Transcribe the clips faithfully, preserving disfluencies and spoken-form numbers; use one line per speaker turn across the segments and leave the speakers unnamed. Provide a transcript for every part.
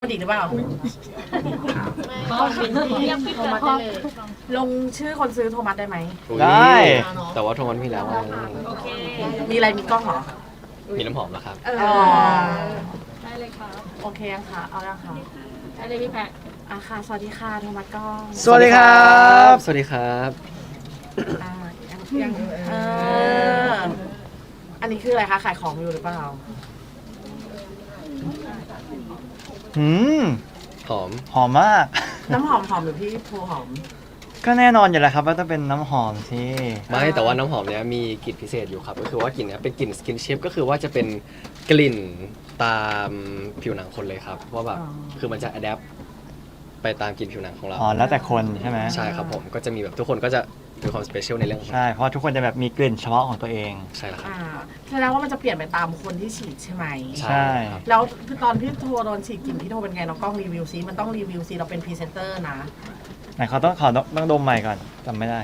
ดีหรือเปล่า
เรียกพี่โทมัสได้เลย
ลงชื่อคนซื้อโทมัสได้ไหม
ได้
แต่ว่าโทมันมีแล้ว
โอเค
มีอะไรมีกล้องเหรอ
มีน้ำหอมแล้วครับ
เออ
อ๋อ
ได้เลยครับ
โอเคยังคะเอายังคะ
ได้เลยพี่แพะ
อ่ะค่ะสวัสดีค่ะโทมัสกล้อง
สวัสดีครับ
สวัสดีครับ
อ่ายังยังเอออันนี้คืออะไรคะขายของอยู่หรือเปล่า
หืม
หอม
หอมมาก
น้ำหอมหอมหรือพี่โทหอม
ก็แน่นอนอยู่แล้วครับว่าต้องเป็นน้ำหอมที่
ไม่แต่ว่าน้ำหอมเนี้ยมีกลิ่นพิเศษอยู่ครับ ก็คือว่ากลิ่นเนี้ยเป็นกลิ่นสกินชิพก็คือว่าจะเป็นกลิ่นตามผิวหนังคนเลยครับว่าแบบ
อ๋อ
คือมันจะอัดแอปไปตามกลิ่นผิวหนังของเรา
อ๋อแล้วแต่คนใช่ไหม
ใช่ครับผมก็จะมีแบบทุกคนก็จะมีความสเปเชียลในเรื่องของ
ใช่เพราะทุกคนจะแบบมีกลิ่นเฉพาะของตัวเอง
ใช่แล้วครับ
อ่าแสดงว่ามันจะเปลี่ยนไปตามคนที่ฉีดใช่ไหม
ใช่
ครับ
แล้วตอนพี่โทโดนฉีดกลิ่นพี่โทเป็นไงน้องกล้องรีวิวซิมันต้องรีวิวซิเราเป็นพรีเซนเตอร์นะ
ไหนเขาต้องขอต้องต้องดมใหม่ก่อนจำไม่ได้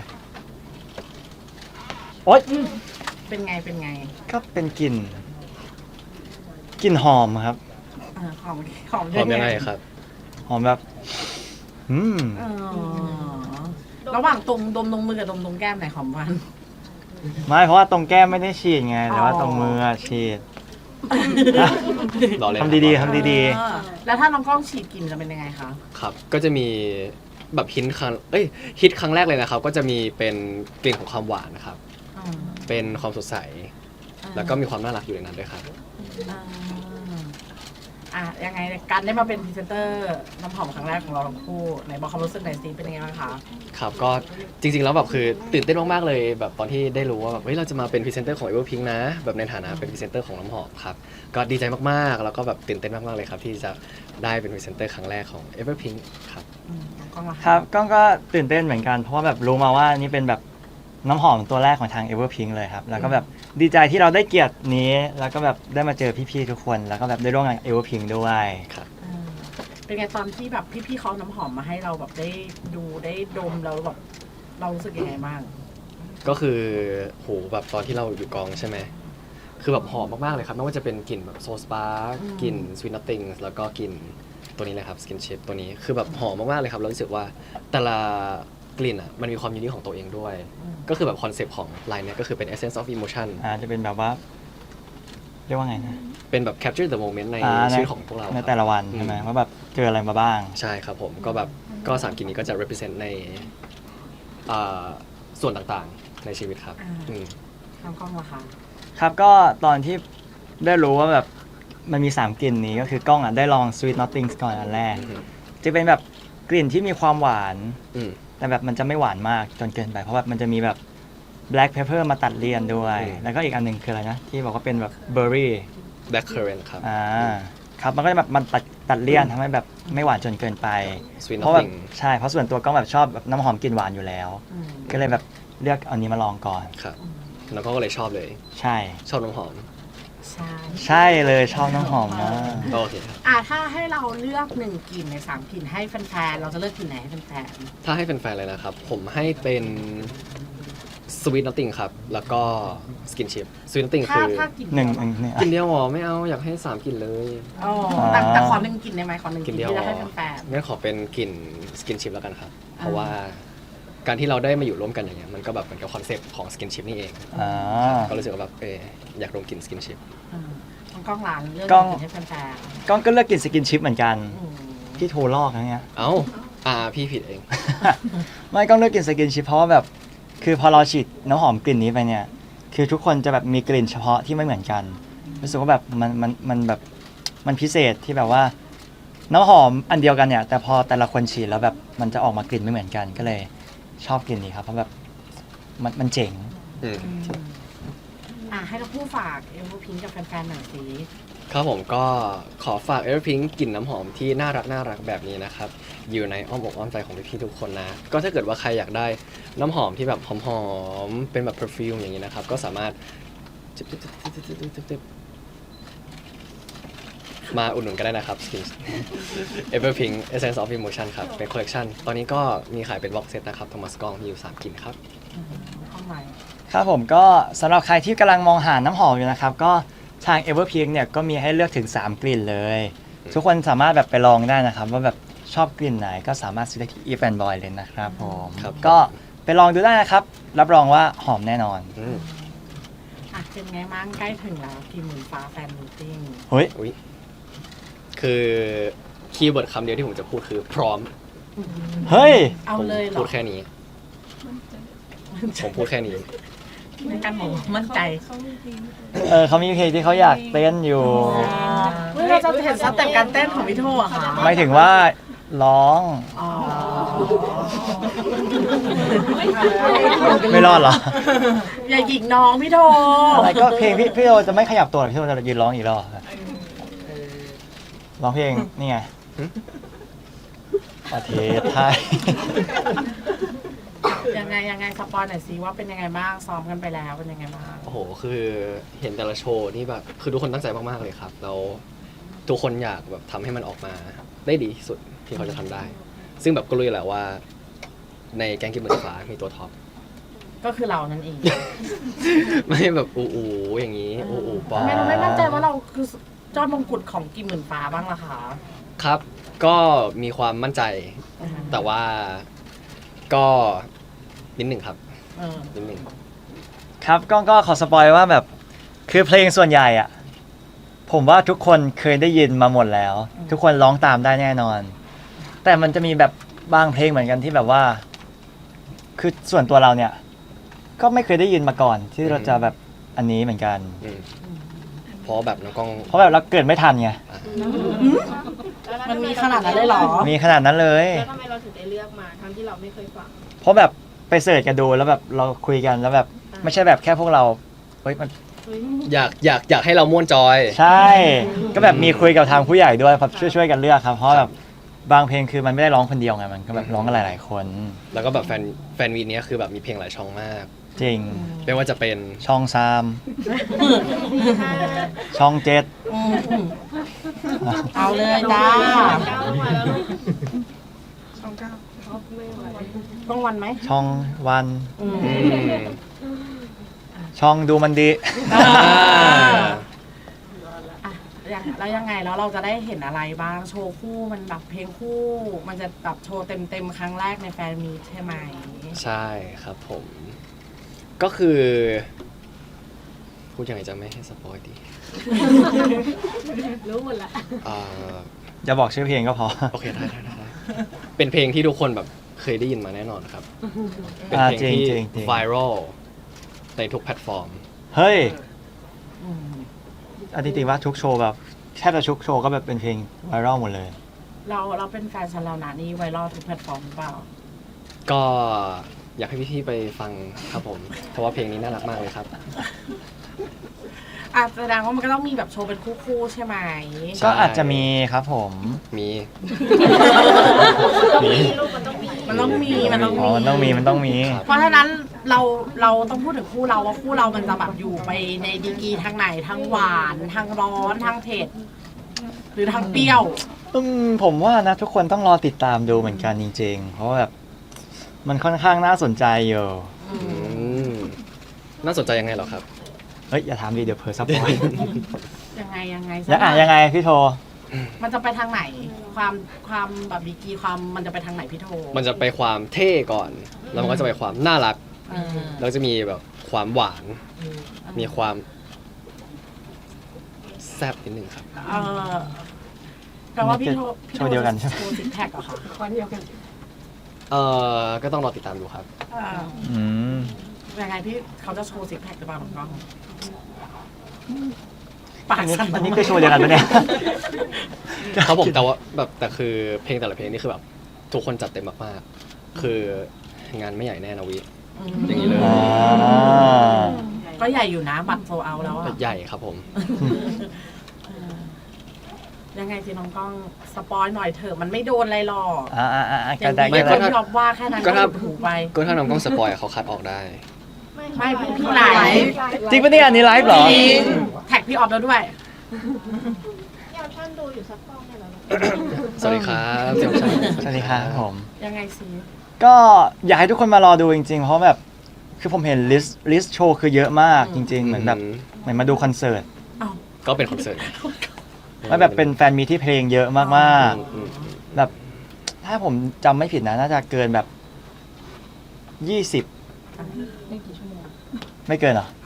โอ๊ย
เป็นไงเป็นไง
ก็เป็นกลิ่นกลิ่นหอมครับ
อ่าหอมหอม
หอมยังไงครับ
หอมแบบอืม
เออระหว่างตรงดมตรงมือกับดมตรงแก้มไหนหอมกว่ากัน
ไม่เพราะว่าตรงแก้มไม่ได้ฉีดไง แต่ว่า
อ๋อ
ตรงมืออะฉีด
รอเล่น
ทำดีๆทำดี
เออแล้วถ้าน้องกล้องฉีดกลิ่นจะเป็นยังไงคะ
ครับ ก็จะมีแบบฮิตครั้งเอ้ยฮิตครั้งแรกเลยนะครับ ก็จะมีเป็นกลิ่นของความหวานนะครับ
อืม
เป็นความสดใส แล้วก็มีความน่ารักอยู่ในนั้นด้วยครับ
อ่าอ่ะยังไงการได้มาเป็นพรีเซนเตอร์น้ำหอมครั้งแรกของเราทั้งคู่ไหนบอกความรู้สึกหน่อยสิเป็นยังไงบ้างคะ
ครับก็จริงๆแล้วแบบคือตื่นเต้นมากๆเลยแบบตอนที่ได้รู้ว่าแบบเฮ้ยเราจะมาเป็นพรีเซนเตอร์ของ Everpink นะแบบในฐานะเป็นพรีเซนเตอร์ของน้ำหอมครับก็ดีใจมากๆแล้วก็แบบตื่นเต้นมากๆเลยครับที่จะได้เป็นพรีเซนเตอร์ครั้งแรกของ Everpink ครับ
อืมน้องกล้องล่ะะ
ๆครับก้องก็ตื่นเต้นเหมือนกัน เพราะว่าแบบรู้มาว่านี่เป็นแบบน้ำหอมตัวแรกของทาง Everpink เลยครับ แล้วก็แบบดีใจที่เราได้เกียรตินี้ แล้วก็แบบได้มาเจอพี่ๆทุกคน แล้วก็แบบได้ร่วมงาน Everpink ด้วย
อืมเป็นไงตอนที่แบบพี่ๆเขาเอาน้ำหอมมาให้เราแบบได้ดูได้ดมแล้วแบบเรารู้สึกยังไงบ้าง
ก็คือโหแบบตอนที่เราอยู่กองใช่ไหมคือแบบหอมมากๆเลยครับไม่ว่าจะเป็นกลิ่นแบบโซสปาร์
อืม
กลิ่น Sweet Nothing แล้วก็กลิ่นตัวนี้เลยครับ Skin Chip ตัวนี้คือแบบหอมมากๆเลยครับเรารู้สึกว่าแต่ละกลิ่นอ่ะมันมีความยูนิคของตัวเองด้วย
อืม
ก็คือแบบคอนเซปต์ของไลน์เนี้ยก็คือเป็น essence of emotion
อ่าจะเป็นแบบว่า เรียกว่าไงนะ
เป็นแบบ capture the moment ใน
อ่า
ชีวิตของพวกเรา
ใน
ครับ
แต่ละวันใช่ไหม
อืม
ว่าแบบเจออะไรมาบ้าง
ใช่ครับผมก็แบบก็สามกลิ่นนี้ก็จะ represent ในอ่าส่วนต่างๆในชีวิตครับ
อ่า
อืม
น้องกล้องล่ะคะ
ครับก็ตอนที่ได้รู้ว่าแบบมันมีสามกลิ่นนี้ก็คือกล้องอ่ะได้ลอง Sweet Nothings ก่อนอันแรก
อืม
จะเป็นแบบกลิ่นที่มีความหวาน
อืม
แต่แบบมันจะไม่หวานมากจนเกินไป เพราะแบบมันจะมีแบบ black pepper มาตัดเลี่ยนด้วย
อืม
แล้วก็อีกอันหนึ่งคืออะไรนะ ที่บอกว่าเป็นแบบ berry
black currant ครับ
อ่าครับมันก็จะแบบมันตัดตัดเลี่ยนทำให้แบบไม่หวานจนเกินไป
Sweet
เพราะแบบ
Nothing
ใช่เพราะส่วนตัวกล้องแบบชอบแบบน้ำหอมกลิ่นหวานอยู่แล้ว
อืม
ก็เลยแบบเลือกเอานี้มาลองก่อน
ครับแล้วก็เลยชอบเลย
ใช่
ชอบน้ำหอม
ใช่
ใช่เลยชอบน้ำหอมมาก
โอเคครับ
อ่ะถ้าให้เราเลือกหนึ่งกลิ่นในสามกลิ่นให้แฟนๆเราจะเลือกกลิ่นไหนให้แฟน
ถ้าให้เป็นแฟนๆเลยนะครับ ผมให้เป็น Sweet Nothing ครับ แล้วก็ Skin Chip Sweet Nothing
ๆถ้า
คือ
ถ้ากลิ่น
หนึ่งหนึ่งเนี่ย
กลิ่นเดียวหรอไม่เอาอยากให้สามกลิ่นเลย
อ๋อแต่แต่ขอหนึ่งกลิ่นได้ไหมขอหนึ่งก
ก
ลิ่
ลิ่
น
นเดียว
ที่
หร
จะ
อ
ให้แฟน
งั้นขอเป็นกลิ่น Skin Chip แล้วกันครับ เพราะ
อ่า
ว่าการที่เราได้มาอยู่ร่วมกันอย่างเงี้ยมันก็แบบเหมือนกับคอนเซปต์ของ Skin Chip นี่เอง
อ่า
ก็รู้สึกว่าแบบเอออยากลงกลิ่น Skin Chip
ๆอืมน้องกล้องหลานเลือก
กล้อง
กลิ่นให้แฟน
กล้องก็เลือกกลิ่นสกินชิปเหมือนกัน
ๆอืม
พี่โทรลอกนะเนี่ย
เอ้าอ่าพี่ผิดเอง
ไม่กล้องเลือกกลิ่นสกินชิปเพราะว่าแบบคือพอเราฉีดน้ำหอมกลิ่นนี้ไปเนี่ย คือทุกคนจะแบบมีกลิ่นเฉพาะที่ไม่เหมือนกันรู้สึกว่าแบบมันมันมันแบบมันพิเศษที่แบบว่าน้ำหอมอันเดียวกันเนี่ย แต่พอแต่ละคนฉีดแล้วแบบมันจะออกมากลิ่นไม่เหมือนกันก็เลยชอบกลิ่นนี้ครับเพราะแบบมันมันเจ๋ง
อืม
อืมอ่ะให้เราพูดฝากเอลพิงกับแฟนๆหน่อยสิ
ครับผมก็ขอฝาก Everpink กลิ่นน้ำหอมที่น่ารักน่ารักแบบนี้นะครับ อยู่ในอ้อมอกอ้อมใจของพี่ๆทุกคนนะ ก็ถ้าเกิดว่าใครอยากได้น้ำหอมที่แบบหอมๆเป็นแบบ perfume อย่างนี้นะครับ ก็สามารถจิ๊บจิ๊บจิ๊บจิ๊บจิ๊บจิ๊บจิ๊บมาอุดหนุนกันได้นะครับ Skin Everpink Essence of Emotion ครับ เป็น collection ตอนนี้ก็มีขายเป็น box set นะครับ Thomas Gong มีอยู่สามกลิ่นครับ
อืมข้างใน
ครับผมก็สำหรับใครที่กำลังมองหาน้ำหอมอยู่นะครับ ก็ทาง Everpink เนี่ยก็มีให้เลือกถึงสามกลิ่นเลยทุกคนสามารถแบบไปลองได้นะครับ ว่าแบบชอบกลิ่นไหนก็สามารถซื้อได้ที่ Eve and Boy เลยนะครับผม
ครับ
ก็ไปลองดูได้นะครับ รับรองว่าหอมแน่นอน
อืม
อ่ะเป็นไงบ้างใกล้ถึงแล้วกี่หมื่นฟ้าแฟนมีตติ้ง
เฮ้ย
อุ๊ยคือคีย์เวิร์ดคำเดียวที่ผมจะพูดคือพร้อม
เฮ้ย
เอา
ผม
เลยเหรอ
พูดแค่นี้ ผมพูดแค่นี้
ในการบอกมั่นใจ
เออเขามีเพลงที่เขาอยากเต้นอยู่
เฮ้ยเราจะเห็นสเต็ปการเต้นของพี่โทอะค่ะ
ไม่ถึงว่าร้อง
อ๋อ
ไม่รอดเหรอ
อย่าหยิกน้องพี่โท
อะไรก็เพลงพี่พี่โอจะไม่ขยับตัวหรอกพี่โอจะยืนร้องอีกรอบร้องเพลงนี่ไงประเทศไทย
ยังไงยังไงสปอยหน่อยสิว่าเป็นยังไงบ้างซ้อมกันไปแล้วเป็นยังไงบ้าง
โอ้โห คือเห็นแต่ละโชว์นี่แบบ คือทุกคนตั้งใจมากๆเลยครับ แล้วทุกคนอยากแบบทำให้มันออกมาได้ดีที่สุดที่เขาจะทำได้ ซึ่งแบบก็รู้อยู่แล้วว่า ในแกงกิมเหมือนฟ้ามีตัวท็อป
ก็คือเรานั่นเอง
ไม่แบบอูอูอย่างนี้ อูอูปอ
ทำไมเราไม่มั่นใจว่าเราคือยอดมงกุฎของกี่หมื่นฟ้าบ้างล่ะคะ
ครับ ก็มีความมั่นใจ แต่ว่าก็นิดหนึ่งครับ
เออ
นิดหนึ่ง
ครับก็ก็ขอสปอยว่าแบบคือเพลงส่วนใหญ่อะผมว่าทุกคนเคยได้ยินมาหมดแล้ว ทุกคนร้องตามได้แน่นอน แต่มันจะมีแบบบางเพลงเหมือนกันที่แบบว่า คือส่วนตัวเราเนี่ย ก็ไม่เคยได้ยินมาก่อน ที่เราจะแบบอันนี้เหมือนกัน
อืมเพราะแบบน้องกล้อง
เพราะแบบเราเกิดไม่ทันไง
มันมีขนาดนั้นเลยเหรอ
มีขนาดนั้นเลย
แล้วทำไมเราถึงได้เลือกมาทั้งที่เราไม่เคยฟัง
เพราะแบบไปเสิร์ชกันดูแล้วแบบเราคุยกันแล้วแบบไม่ใช่แบบแค่พวกเราเฮ้ยมัน
อยากอยากอยากให้เราม่วนจอย
ใช่ ก็แบบมีคุยกับทางผู้ใหญ่ด้วยครับช่วยช่วยกันเลือกครับเพราะแบบบางเพลงคือมันไม่ได้ร้องคนเดียวไงมันก็แบบร้องกันหลายๆคน
แล้วก็แบบแฟนแฟนวีเนี้ยคือแบบมีเพลงหลายช่องมาก
จริง
ไม่ว่าจะเป็น
ช่องสามช่องเจ็ด
อืมอืมเอาเลยจ้า
ก้าวมาแล้วลูก
ต้องวันไหม
ช่องวัน
อืม
อืม
ช่องดูมันดี
อ่า
อ่า
อ่ะยังแล้วยังไงแล้วเราจะได้เห็นอะไรบ้างโชว์คู่มันแบบเพลงคู่ มันจะแบบโชว์เต็มเต็มๆครั้งแรกในแฟนมีตใช่ไหม
ใช่ครับผม ก็คือพูดยังไงจะไม่ให้สปอยดี
รู้หมดละ
อ่า
จะบอกชื่อเพลงก็พอ
โอเคได้ได้ได้ได้เป็นเพลงที่ทุกคนแบบเคยได้ยินมาแน่นอนครับ เป็น
อ่า
เพลงที่
จริงๆจริงๆ
ไวรัลในทุกแพลตฟอร์ม
เฮ้ย
อืม
อันที่จริงว่าทุกโชว์แบบแทบจะทุกโชว์ก็แบบเป็นเพลงไวรัลหมดเลย
เราเราเป็นแฟนชันเรานะนี่ไวรัลทุกแพลตฟอร์มหรือเปล่า
ก็อยากให้พี่ๆไปฟังครับผม เพราะว่าเพลงนี้น่ารักมากเลยครับ
อ่ะแสดงว่ามันก็ต้องมีแบบโชว์เป็นคู่ๆใช่ไหม
ใช่
ก็อาจจะมีครับผม
มี
มีลูกมันต้องมี
มันต้องมีมันต้อง
อ๋อ
มี
มันต้องมีมันต้องมี
ครับ
เพราะฉะนั้นเราเราต้องพูดถึงคู่เราว่าคู่เรามันจะแบบอยู่ไปในดีกรีทางไหนทางหวานทางร้อนทางเผ็ดหรือทางเปรี้ยว
อืมผมว่านะทุกคนต้องรอติดตามดูเหมือนกันจริงๆ เพราะว่าแบบมันค่อนข้างน่าสนใจอยู่
อืมน่าสนใจยังไงเหรอครับ
เฮ้ยอย่าถามดิเดี๋ยวเพอสปอย
ยังไงยังไง
ยังอ่ะยังไงพี่โท
มันจะไปทางไหน ความความแบบดีกรีความมันจะไปทางไหนพี่โท
มันจะไปความเท่ก่อน แล้วมันก็จะไปความน่ารัก
เออ
แล้วจะมีแบบความหวาน มีความแซ่บนิดนึงครับ
เออแปลว่าพี่โทพี่
โชว์เดียวกันใช่ไหม
โชว์ซิกแพคเหรอคะ
วันเดียวกัน
เอ่อ ก็ต้องรอติดตามดูครับ
เออ
อืม
ยังไงพี่เขาจะโชว์ซิกแพคหรือเปล่าของกล้องปาก
อันนี้
สั่น
อันนี้คือโชว์เดียวกันปะเนี่ย
ครับผมแต่ว่าแบบแต่คือเพลงแต่ละเพลงนี่คือแบบทุกคนจัดเต็มมากๆ คืองานไม่ใหญ่แน่นะวิ
อืม
อย่างนี้เลย
อ๋อ
ก็ใหญ่อยู่นะบัตรโซเอาแล้วอะ
ใหญ่ครับผม
เออยังไงสิน้องกล้องสปอยหน่อยเถอะมันไม่โดนอะไรหรอก
อ่าอ่าอ่า
อ
ก็
ย่าง
ได้
ที่
ก็
ค
ได้
นที่บอกว่าแค่นั้น
ก็
ก็
ถ้า
ถูกไป
ก็ถ้าน้องกล้องสปอยเขาคัดออกได้
ไม่พี่ไหล
จริงปะเนี่ยอันนี้ไลฟ์เหรอ
จริงแท็กพี่ออฟแล้วด้วย
พี่ออปชั่นดูอยู่สักกล้องเนี่ยเหรอ
สวัสดีครับเจ้าชาย
สวัสดีครับผม
ยังไงสิ
ก็อยากให้ทุกคนมารอดูจริงๆ เพราะแบบคือผมเห็นลิสต์ลิสต์โชว์คือเยอะมากจริง ๆ เหมือนแบบเหมือนมาดูคอนเสิร์ต
อ้าว
ก็เป็นคอนเสิร์ต
มันแบบเป็นแฟนมีที่เพลงเยอะมาก
อืมอืม
ๆ แบบถ้าผมจำไม่ผิดนะน่าจะเกินแบบยี่สิบไม่เกินเหรอ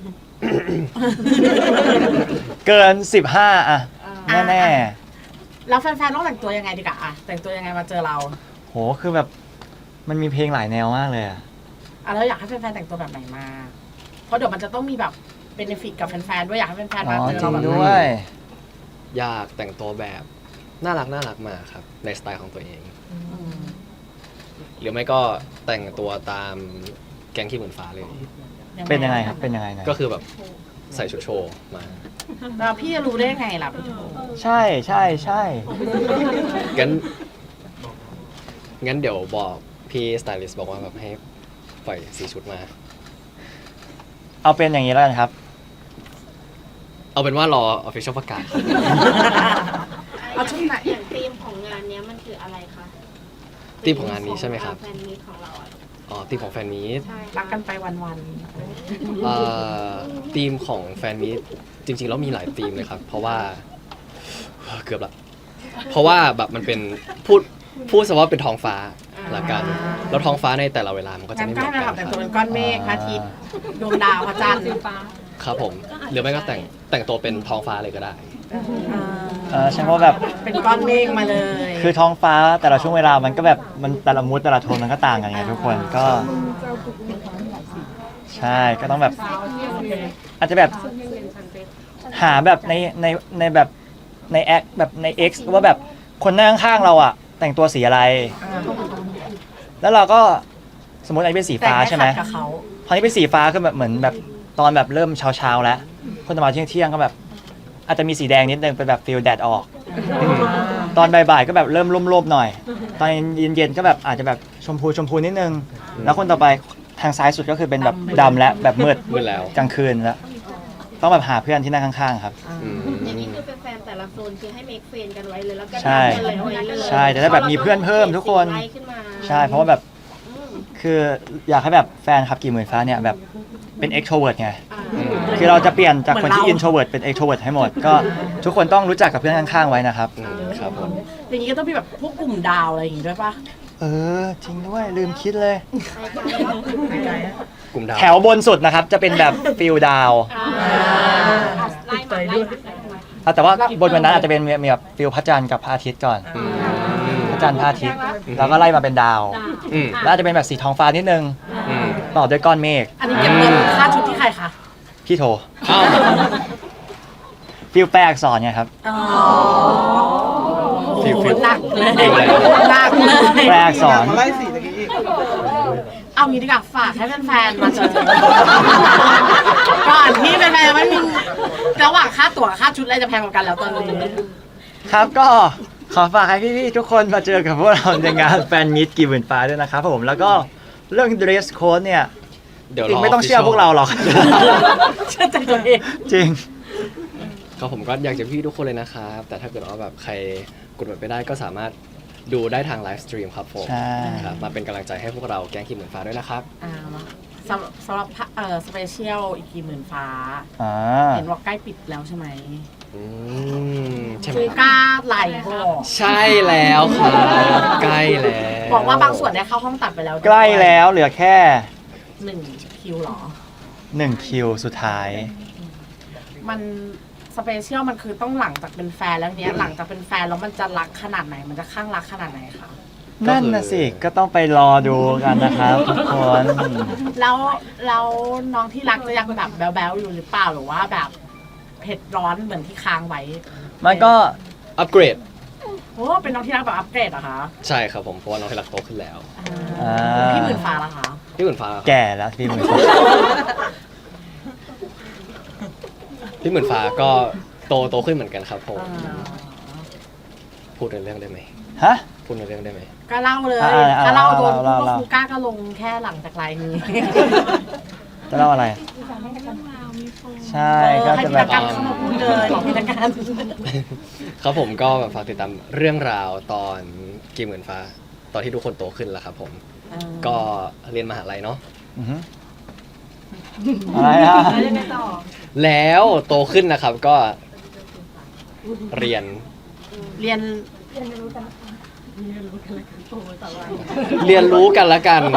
เกินสิบห้าอะแน่
แล้วแฟนๆต้องแต่งตัวยังไงดีกะอะแต่งตัวยังไงมาเจอเรา
ๆโหคือแบบมันมีเพลงหลายแนวมากเลยอะ
อ่ะแล้วอยากให้แฟนๆแต่งตัวแบบไหนมา เพราะเดี๋ยวมันจะต้องมีแบบเบนฟิตกับแฟนๆด้วยอยากให้แฟนๆ
อ๋
มา
อ
เจอ
จริ
เรา
ง
แบบ
ด้วย
อยากแต่งตัวแบบน่ารักน่ารักมาครับในสไตล์ของตัวเอง
อืม
หรือไม่ก็แต่งตัวตามแก๊งขี้เหมือนฟ้าเลย
เป็นยังไงครับเป็นยังไงนะ
ก็คือแบบใส่ชุดโชว์มา
แล้วพี่จะรู้ได้ไงล่ะพี่โถ
ใช่ใช่ใช่
งั้นงั้นเดี๋ยวบอกพี่สไตลิสต์บอกว่าแบบให้ปล่อยสีชุดมา
เอาเป็นอย่างนี้แล้วกันครับ
เอาเป็นว่ารอออฟฟิเชียลประกาศ
เอาชุดไหน
อย่างธีมของงานเนี้ยมันคืออะไรคะ
ธีมของงานนี้ใช่ไหมครับ
แฟนมีตของเราอะ
อ๋อทีมของแฟนมีต
ใช่
รักกันไปวัน
เอ่อทีมของแฟนมีตจริงๆแล้วมีหลายทีมเลยครับ เพราะว่าเกือบละเพราะว่าแบบมันเป็นพูดพูดซะว่าเป็นท้องฟ้าละกันแล้วท้องฟ้าในแต่ละเวลามันก็
ๆ
จะ
งั้น
ไม่เห
ก็
มือน
ให้
กั
แบ
น
บแต่งตัว
ครั
เป็
บ
นก้อนเมฆพระอาทิตย์ดวงดาวพระจันทร์
ครับผมหรือไม่ก็แต่งแต่งตัวเป็นท้องฟ้าเลยก็ได้
อ่า
เออใช่เพราะแบบ
เป็นก้อนเมฆมาเลย
คือท้องฟ้าแต่ละช่วงเวลามันก็แบบมันแต่ละมูดแต่ละโทนมันก็ต่างกันไงทุกคนก็ ใช่ก็ต้องแบบ อาจจะแบบหาแบบในในในแบบในแอคแบบใน X ว่าแบบคนนั่งข้างๆเราอะแต่งตัวสีอะไร แล้วเราก็สมมติอันนี้เป็นสี
แต่
ฟ้า
ไม่
ใช่ไหม
ขัดกับเขา
พอนี้เป็นสีฟ้าคือแบบเหมือนแบบตอนแบบเริ่มเช้าเช้าๆแล้วคนจะมาเที่ยงเที่ยงๆก็แบบ อาจจะมีสีแดงนิดนึงเป็นแบบฟิลแดดออกอืมตอนบ่ายๆก็แบบเริ่มร่มๆหน่อย ตอนเย็นๆก็แบบอาจจะแบบชมพูชมพูนิดนึง แล้วคนต่อไปทางซ้ายสุดก็คือเป็นแบบดำและแบบมืด
มืดแล้ว
กลางคืนแล้วต้องแบบหาเพื่อนที่นั่งข้างๆครับ
อืม
อย่างนี้คือแฟนๆแต่ละโซนคือให้เมคเฟรนกันไว้เลยแล้วก็
ใช่
นัดกันเลยไว้เลย
ใช่จะได้แบบมีเพื่อนเพิ่มทุกคน
ไล่ขึ้นมา
ใช่เพราะว่าแบบ
อืม
คืออยากให้แบบแฟนครับกี่หมื่นฟ้าเนี่ยแบบเป็น extrovert ไง
อ่า
คือเราจะเปลี่ยนจากคนที่ introvert เป็น extrovert ให้หมด ก็ทุกคนต้องรู้จักกับเพื่อนข้างๆไว้นะครับ
อืมครับผม
อย่างนี้ก็ต้องมีแบบพวกกลุ่มดาวอะไรอย่างงี้ด้วยปะ
เออ จริงด้วยลืมคิดเลย
กลุ่มดาว
แถวบนสุดนะครับ จะเป็นแบบฟิลดาว
อ่าไล่มาไล่มา
อ่ะแต่ว่าบนวันนั้นอาจจะเป็นมีมีแบบฟิลพระจันทร์กับพระอาทิตย์ก่อน
อืม
พระจันทร์พระอาทิตย์แล้วก็ไล่มาเป็นดาว
อืม
แล้วอาจจะเป็นแบบสีท้องฟ้านิดนึง
อืม
ต่อด้วยก้อนเมฆ
อันนี้เก็บเงินค่าชุดที่ใครคะ
พี่โท
อ้าว
ฟิลแปลอักษรไงครับ
อ๋อ
ฟิลฟิล
หนักเลย
ฟิลอะไร
หนักเลย
แปลอักษร
ไล่สีตะกี้อีก
เอางี้ดีกว่าฝากให้แฟนๆมาเจอก่อนที่แฟนๆไม่มีระหว่างค่าตั๋วกับค่าชุดอะไรจะแพงกว่ากันแล้วตอนนี้
ครับก็ขอฝากให้พี่ๆทุกคนมาเจอกับพวกเราในงานแฟนมิตกี่หมื่นฟ้าด้วยนะครับผมแล้วก็เรื่อง dress code เนี่ย
เดี๋ยว
จริ
รง อ
ไม่ต้องเชื่อพวกเราหรอก
เชื่อใจตัวเอง
จริง
ครับผมก็อยากจะพี่ทุกคนเลยนะครับ แต่ถ้าเกิดว่าแบบใครกดบัตรไม่ได้ก็สามารถดูได้ทางไลฟ์สตรีมครับผม
ใช่
ครับมาเป็นกำลังใจให้พวกเราแก๊งขี้เหมือนฟ้าด้วยนะครับ
อ่ามาสำหรับสำหรับเอ่อสเปเชียลอีกกี่หมื่นฟ้า
อ่า
เห็นว่าใกล้ปิดแล้วใช่ไหม
อืมใช่ไหม
ฟู
ครับ
ก้าไหลบอก
ใช่แล้วครับใกล้แล้ว
บอกว่าบางส่วนได้เข้าห้องตัดไปแล้วด้วย
ใกล้แล้วเหลือแค่
หนึ่งคิวเหรอ
หนึ่งคิวสุดท้าย
มันสเปเชียลมันคือต้องหลังจากเป็นแฟนแล้วเนี้ยหลังจากเป็นแฟนแล้วมันจะรักขนาดไหน มันจะข้างรักขนาดไหนคะ
นั่นน่ะสิ ก็ต้องไปรอดูกันนะครับทุกคน
แล้วแล้วน้องที่รักจะยังแบบแบ๊วๆอยู่หรือเปล่าหรือว่าแบบเผ็ดร้อนเหมือนที่ค้างไว้
มันก็
อัปเกรด
โอ้เป็นน้องที่รักแบบอัปเกรดเหรอคะ
ใช่ครับผมเพราะว่าน้องที่รักโตขึ้นแล้ว
อ่า
พี่หมื่นฟ้าละคะ
พี่หมื่นฟ้าครับ
แก่แล้วพี่หมือ
พี่หมื่นฟ้าก็โตโตขึ้นเหมือนกันครับผม
อ่า
พูดในเรื่องได้ไหม
ฮะ
พูดในเรื่องได้ไหม
ก็เล่าเลย
อ่าอ่า
ก็เล่าโดน
เล่า
พูด
เล่า
ว่าครูก้าก็ลงแค่หลังจากไลน์นี้
จะเล่าอะไร ใช่ก็
ให้
จะ
พิ
แบ
ธา
บ
การเข้ามาพูดเลยพิธาการ
ครับผมก็แบบฝากติดตามเรื่องราวตอนกี่หมื่นฟ้า ตอนที่ทุกคนโตขึ้นแล้วครับผม ก็เรียนมหาลัยเนาะ
อือฮึอะไรอ่ะ
แล้วโตขึ้นนะครับก็เรียน
เรียน
เรียนรู้กันละกัน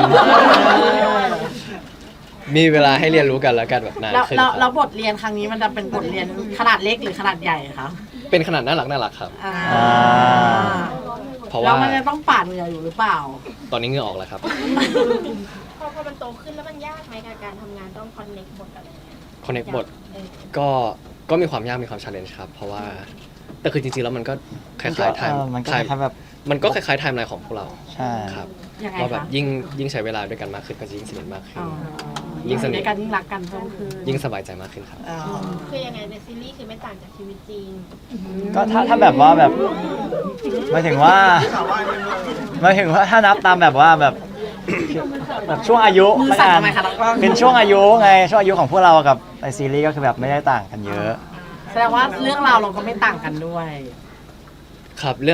มีเวลาให้เรียนรู้กันละกันแบบนาน
แล้ว
ขึ้น
แล้ว
ค
แล้
รั
ว
บบ
ทเรียนครั้งนี้มันจะเป็นบทเรียนขนาดเล็กหรือขนาดใหญ่คะ
เป็นขนาดน่ารักน่ารักครับ
อ่า
อ่า
เพราะ
แล้ว
ว่า
มันจะต้องปาดเหงื่ออยู่หรือเปล่า
ตอนนี้เหงื่อออกแล้วครับ
พอพอมันโตขึ้นแล้วมันยากไหมกับการทำงานต้องคอนเน็กบทอะไรอย่างเงี้ย
คอนเน c t บท
เออ
ก็ก็มีความยากมีความชาเลนจ์ครับ เพราะว่าแต่คือจริงๆแล้วมันก็คล้ายๆไทม์
เออมันก็
ไท
คล้าย
ม์
ๆแบบ
มันก็คล้ายๆไทม์ไลน์ของพวกเรา
ใช่
ครับ
ยังไง
ว่าแบบ
คะ
ยิ่งยิ่งใช้เวลาด้วยกันมากขึ้นก็จะยิ่งสนิทมากขึ้
อ๋
น
อ
ยิ่งสนิท
ในการยิ่งรักกันเพิ่มขึ้น
ยิ่งสบายใจมากขึ้นครับ
อ๋อ
คือยังไงในซีรีส์คือไม่ต่างจากชีวิตจริง
ก็ถ้าถ้าแบบว่าแบบหมายถึงว่าหมายถึงว่าถ้านับตามแบบว่าแบบแบบช่วงอายุ
มือ
ละ
สั่น
กัน
ทำไมคะน้องกล้อง
เป็นช่วงอายุไงช่วงอายุของพวกเรากับในซีรีส์ก็คือแบบไม่ได้ต่างกันเยอะ
แสดงว่าเรื่องราวเราก็ไม่ต่างกันด้วย
ครับเรื่อง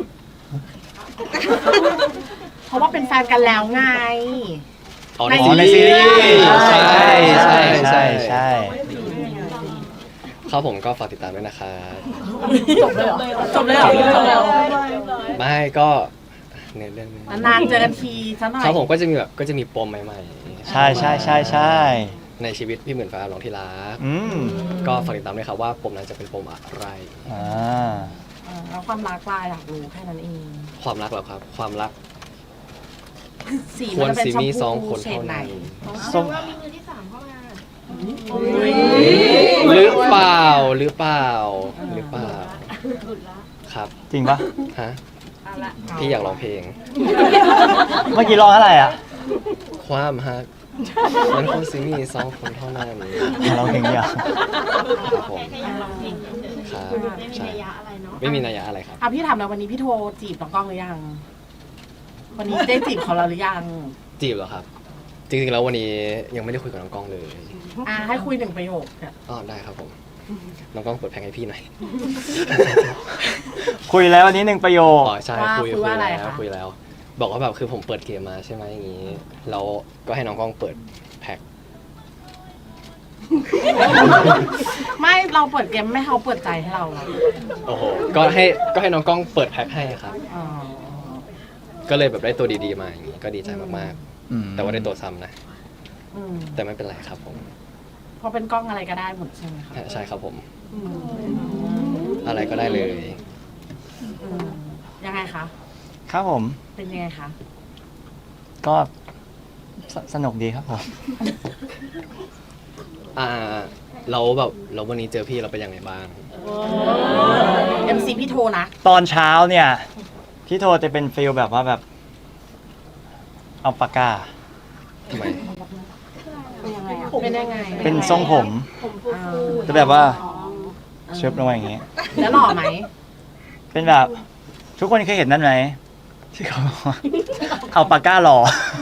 เพราะว่าเป็นแฟนกันแล้วไง
อ๋อ
ใน
อ๋อในซีรีส์
ใช่ใช่ใช่
ใช่ใช่
ครับผมก็ฝากติดตามด้วยนะครับ
จบเลยเหรอจบเลยเหรอจบเลยเหรอ
ไม่ก็ในเรื่องนี้
นานๆเจอกันทีซะหน่อย
ครับผมก็จะมีแบบก็จะมีปมใหม่ๆ
ใช่ใช่ใช่ใช่
ในชีวิตพี่หมื่นฟ้าหลงที่รัก
อืม
ก็ฝากติดตามด้วยครับว่าปมนั้นจะเป็นปมอะไร
อ่า
เออแล้วความรักลายอยากรู้แค่นั้นเอง
ความรักเหรอครับ ความรัก
สี
คว
มั
ร
นจะเป็น
สิ
ชม
มีสอง
พู
คน
เฉด
เท่า
ไหน
นั้น
แสดงว่ามีมือที่สามเข้ามา
หรือเปล่าหรือเปล่าหรือเปล่า
หลุดละ
ครับ
จริงปะ
ฮะพี่อยากร้องเพลง
เมื่อกี้ร้องเท่าไหร่อ่ะ
ความฮักมันควรสิมีสองคนเท่านั้น
ร้องเพลงเดียว
ครับผม
แค่แค่อยากลองเพลงเฉย
ครับ
ๆไม่มี
ใช่
นัยยะอะไรเนาะ
ไม่มีนัยยะอะไรครับ
อ่ะพี่ถามแล้ววันนี้พี่โทรจีบน้องกล้องหรือยัง วันนี้ได้จีบเขาแล้วหรือยัง
จีบเหรอครับ จริงๆแล้ววันนี้ยังไม่ได้คุยกับน้องกล้องเลย
อ่ะให้คุยหนึ่งประโยคเนี่ย
อ๋อได้ครับผม น้องกล้องเปิดแพงให้พี่หน่อย
คุยแล้ววันนี้หนึ่งประโยค
อ๋อใช่
ว่า
คุย
คุ
คุ
ย
ย
ว่าอะไร
แล้ว
คะ
คุยแล้ว บอกว่าแบบคือผมเปิดเกมมาใช่ไหมอย่างนี้แล้วก็ให้น้องกล้องเปิดแพ็ค
ไม่เราเปิดเกมไม่ให้เขาเปิดใจให้เราเหรอ
โอ้โหก็ให้ก็ให้น้องกล้องเปิดแพ็คให้ครับ
อ๋อ
ก็เลยแบบได้ตัวดีๆมาอย่างนี้ก็ดีใจมาก
อืม
ๆ แต่ว่าได้ตัวซ้ำนะ
อืม
แต่ไม่เป็นไรครับผม
เพราะเป็นกล้องอะไรก็ได้หมดใช่ไหมคะ
ใช่ครับผม
อืม
อะไรก็ได้เลย
อืมยังไงคะ
ครับผม
เป็นยังไงคะ
ก็สสนุกดีครับผม
อ่าเราแบบเราวันนี้เจอพี่เราเป็นยังไงบ้าง
เอ็มซีพี่โทรนะ
ตอนเช้าเนี่ย พี่โทจะเป็นฟิลแบบว่าแบบ เอาปากกา
ทำไม
เป็นยังไง
เป็นทรงผม
อ่า
จะแบบว่าเชิบลงมาอย่างงี้
แล้วหล่อไหม
เป็นแบบ ทุกคนเคยเห็นนั่นไหมที่เขาบอกว่าเอาปากกาหล่อ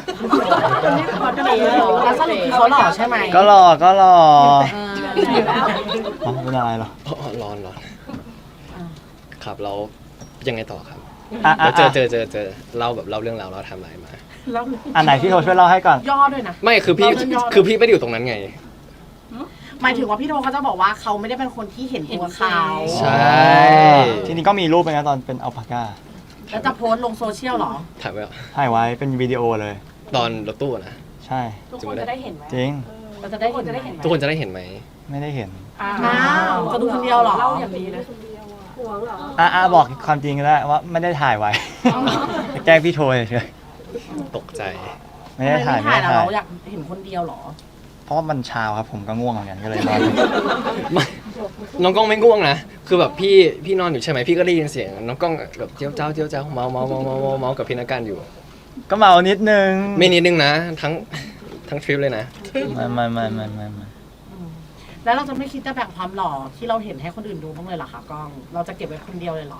แล้วสรุปคือเขาหล่อใช่ไหม
ก็หล่อก็หล่อ
เออ
อ๋อเป็นอะไรเหรอ
อ๋อร้อนร้อน
อ่า
ครับเรายังไงต่อครับ
อ่ะอ่ะ
แล้วเจอ
อ่ะ
เจอเจอเจอเล่าแบบเล่าเรื่องราวเราทำอะไรมา
แล้ว
อันไหนพี่โทช่วยเล่าให้ก่อน
ย่อด้วยนะ
ไม่คือพี่
เราเรื่องย่อ
คือพี่ไม่ได้อยู่ตรงนั้นไง
หมายถึงว่าพี่โทเขาจะบอกว่าเขาไม่ได้เป็นคนที่เห็นตัวเขา
ใช่
ทีนี้ก็มีรูปไปนะตอนเป็นเอาปากกา
แล้วจะโพสต์ลงโซเชียลเหรอ
ถ่ายไว้เหรอ
ถ่ายไว้เป็นวิดีโอเลย
ตอนรถตู้นะ
ใช่
ทุกคนจะได้เห็นไหม
จริง
เราจะได้เห็นไหม
ทุกคนจะได้เห็นไหม
ไม่ได้เห็น
อ้าวจะดูคนเดียวเหรอเล่าอย่างนี้เลย
อ่ะอ่ะบอกความจริงก็ได้ว่าไม่ได้ถ่ายไว้ แกล้งพี่โทเฉย
ตกใจ
ๆไม่ได้ถ่ายไม่
ถ่าย
ได้
แล้ว
ถ่าย
เราอยากเห็นคนเดียวเหรอ
เพราะว่ามันเช้าครับผมก็ง่วงเหมือนกันก็เลยนอน
ไม่น้องกล้องไม่ง่วงนะ คือแบบพี่พี่นอนอยู่ใช่ไหมพี่ก็ได้ยินเสียงน้องกล้องแบบเจียวเจ้าเจียวเจ้าเมาเมาเมาเมาเมาเมากับพี่นักการอยู่
ก็เมานิดนึง
ไม่นิดนึงนะ ทั้งทั้งทริปเลยนะ
ไม่ไม่ไม่ไม่ไม่ไม่
แล้วเราจะไม่คิดจะแบ่งความหล่อที่เราเห็นให้คนอื่นดูบ้างเลยเหรอคะกล้อง เราจะเก็บไว้คนเดียวเลยเหรอ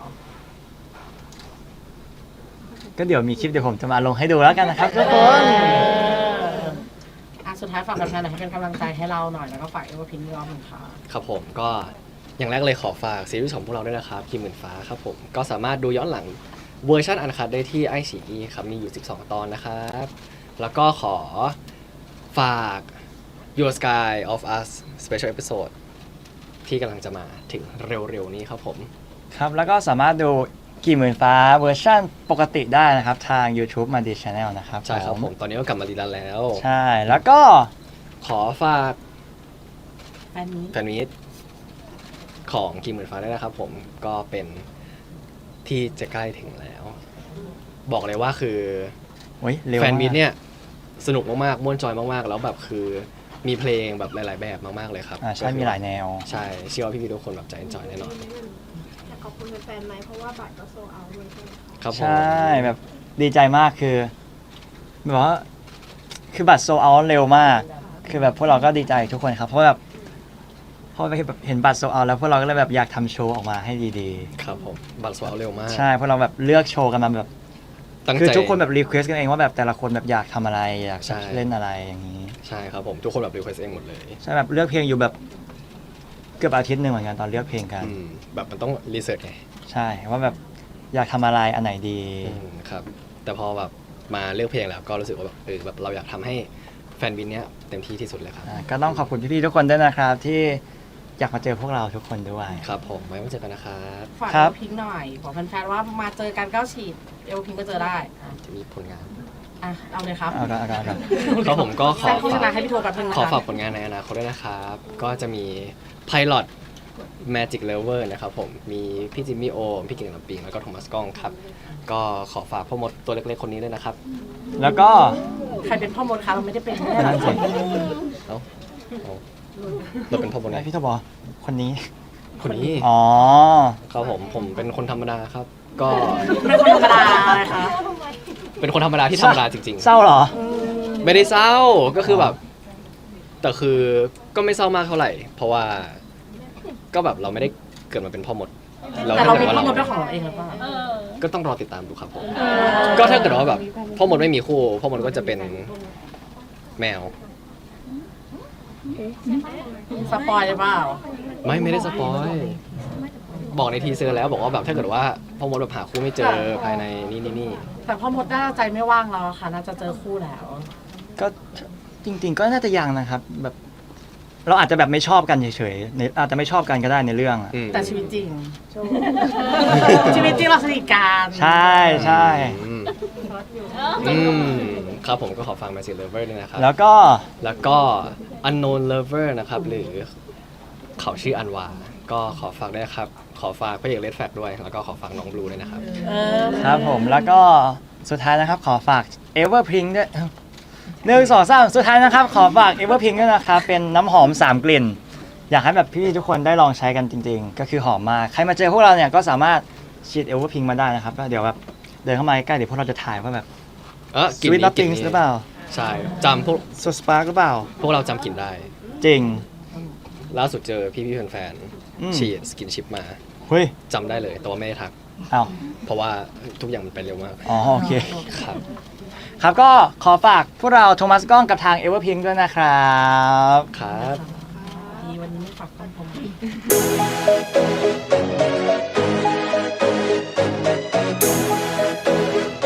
ก็เดี๋ยวมีคลิปเดี๋ยวผมจะมาลงให้ดูแล้วกันนะครับทุกคน
อ่ะสุดท้ายฝากแฟนๆหน่อยให้เป็นกำลังใจให้เราหน่อยแล้วก็ฝากเอเวอร์พินรอบหนึ่งค่ะ
ครับผมก็อย่างแรกเลยขอฝากซีรีส์ของพวกเราด้วยนะครับคิมหมื่นฟ้าครับผมก็สามารถดูย้อนหลังเวอร์ชันอันคัดได้ที่ไอซีอีครับมีอยู่สิบสองตอนนะครับแล้วก็ขอฝาก Your Sky of Us Special Episode ที่กำลังจะมาถึงเร็วๆนี้ครับผม
ครับ แล้วก็สามารถดูกี่หมื่นฟ้าเวอร์ชั่นปกติได้นะครับ ทาง YouTube มาดี Channel นะครับ
ใช่ครับผมตอนนี้ก็กลับมารีรันแล้ว
ใช่ แล้วก็
ขอฝาก
แฟนนี้
แฟนมิตของกิมหมื่นฟ้าด้วยนะครับผมก็เป็นที่จะใกล้ถึงแล้ว บอกเลยว่าคือ
โอ้ยเร็ว
แฟนมิต
าก
เนี่ยสนุกมากๆม่วนจอยมากๆ แล้วแบบคือมีเพลงแบบหลาย ๆ แบบมากๆเลยครับ
อ่าใช่มีหลายแนว
ใช่เชื่อว่าพี่ๆทุกคนแบบจะเอนจอยแน่นอน
อยากขอบคุณแฟนๆไหมเพราะว่าบัตรก็โซเอาด้วยใช่ไหมคะ
ครับผม
ใช่แบบดีใจมากคือแบบว่าคือบัตรโซเอาเร็วมาก คือแบบพวกเราก็ดีใจทุกคนครับ เพราะแบบพอไปแบบเห็นบัตรโซเอาแล้วพวกเราก็เลยแบบอยากทำโชว์ออกมาให้ดี
ครับผมบัตรโซเอาเร็วมาก
ๆ ใช่พวกเราแบบเลือกโชว์กันมาแบบ
ตั้ง
คือ
ใจ
ทุกคนแบบรีเควสกันเองว่าแบบแต่ละคนแบบอยากทำอะไรอยาก
ใช่
เล่นอะไรอย่างนี้
ใช่ครับผมทุกคนแบบรีเควสเองหมดเลย
ใช่แบบเลือกเพลงอยู่แบบเกือบอาทิตย์หนึ่งเหมือนกันตอนเลือกเพลงกัน
อืมแบบมันต้องรีเสิร์ชไง
ใช่ว่าแบบอยากทำอะไรอันไหนดี
อืมครับแต่พอแบบมาเลือกเพลงแล้วก็รู้สึกว่าแบบเออแบบเราอยากทำให้แฟนบินเนี้ยเต็มที่ที่สุดเลยครับ
อ่าก็ต้องขอบคุณพี่ๆทุกคนด้วยนะครับ ที่อยากมาเจอพวกเราทุกคนด้วย
ครับผมไว้มาเจอกันนะครับ
ฝาก
ครั
เอบ ลพิงค์หน่อยบอกแฟนๆว่ามาเจอกันก็ฉีดเอลพิงค์ก็เจอได้อ่ะ
จะมีผลงาน
อ่ะเอาเลยครับ
เอากันเอากันเอากัน
ครับผมก็ข
แซ
อง
โฆษณาให้พี่โทรแป๊บนึงนะคะ
ขอฝากผลงานในอนาคตด้วยนะครับ ก็จะมี Pilot Magic Lover นะครับผมมีพี่จิมมี่โอมพี่เก่งลำปิงแล้วก็โทมัสก้องครับ ก็ขอฝากพ่อมดตัวเล็กๆคนนี้ด้วยนะครับ
แล้วก็
ใครเป็นพ่อมดคะเราไม่ได้เป็นไม่ได้หร
นั่
อน
สิ
เอ้าเอาเราเป็นพ่อมดไง
พี่โทบอกคนนี้
คนนี้
อ๋อ
ครับผมผมเป็นคนธรรมดาครับ ก็
เป็นคนธรรมดาอะไรคะ
เป็นคนธรรมดาที่ธรรมดาจริง
เศร้าเหรอ
ๆ ไม่ได้เศร้าก็คือแบบ แต่คือก็ไม่เศร้ามากเท่าไหร่ เพราะว่าก็แบบเราไม่ได้เกิดมาเป็นพ่อมด
แต่เรา
ถ้
เป็น
กิด
พ่อมด
ว่
เป็นของเราเองหรือเปล่า
ก็ต้องรอติดตามดูครับผม ก็ถ้าเกิดว่าแบบพ่อมดไม่มีคู่พ่อมดก็จะเป็นแมว
สปอยหรือเปล่า
ไม่ไม่ได้สปอยบอกในทีเซอร์แล้วบอกว่าแบบถ้าเกิดว่าพ่อมดแบบหาคู่ไม่เจอภายในนี่นี่นี่
แต่พ่อมดน่าจะใจไม่ว่างแล้วอะค่ะ น่าจะเจอคู่แล้ว
ก็จริง ๆ ก็น่าจะยังนะครับ แบบ เราอาจจะแบบไม่ชอบกันเฉยๆในอาจจะไม่ชอบกันก็ได้ในเรื่องอะ
อืม
แต่ชีวิตจริง ชีวิตจริงเราสนิทกัน
ใช่ใช่
อืมอืมครับผมก็ขอฟัง Magic Lover ด้วยนะครับ
แล้วก็
แล้วก็ Unknown Lover นะครับ หรือเขาชื่ออันวา ก็ขอฝากด้วยนะครับ ขอฝากพระเอกเลดแฟกด้วย แล้วก็ขอฝากน้องบลูด้วยนะครับ
เออ
ครับผมแล้วก็สุดท้ายนะครับ ขอฝาก Everpink ด้วยหนึ่งสองสามสุดท้ายนะครับ ขอฝาก Everpink ด้วยนะครับ เป็นน้ำหอมสามกลิ่น อยากให้แบบพี่ๆทุกคนได้ลองใช้กันจริงๆ ก็คือหอมมาก ใครมาเจอพวกเราเนี่ยก็สามารถฉีด Everpink มาได้นะครับแล้วเดี๋ยวแบบเดินเข้ามาใกล้ๆเดี๋ยวพวกเราจะถ่ายว่าแบบ
เออกลิ่น
Sweet
นี้กลิ่น
Nothings
นี้
หรือเปล่า
ใช่จำพวก
So Spark หรือเปล่า
พวกเราจำกลิ่นได้
จริง
ล่าสุดเจอพี่ๆแฟน
อืม
ๆฉีดสกินชิปมา
เฮ้ย
จำได้เลยแต่ว่าไม่ได้ทัก
เอา
เพราะว่าทุกอย่างมันไปเร็วมาก
อ๋อโอเค
ครับ
ครับก็ขอฝากพวกเราโทมัสก้องกับทาง Everpink ด้วยนะครับ
ครับ
ดีวันนี้ไม่ฝากต้องผม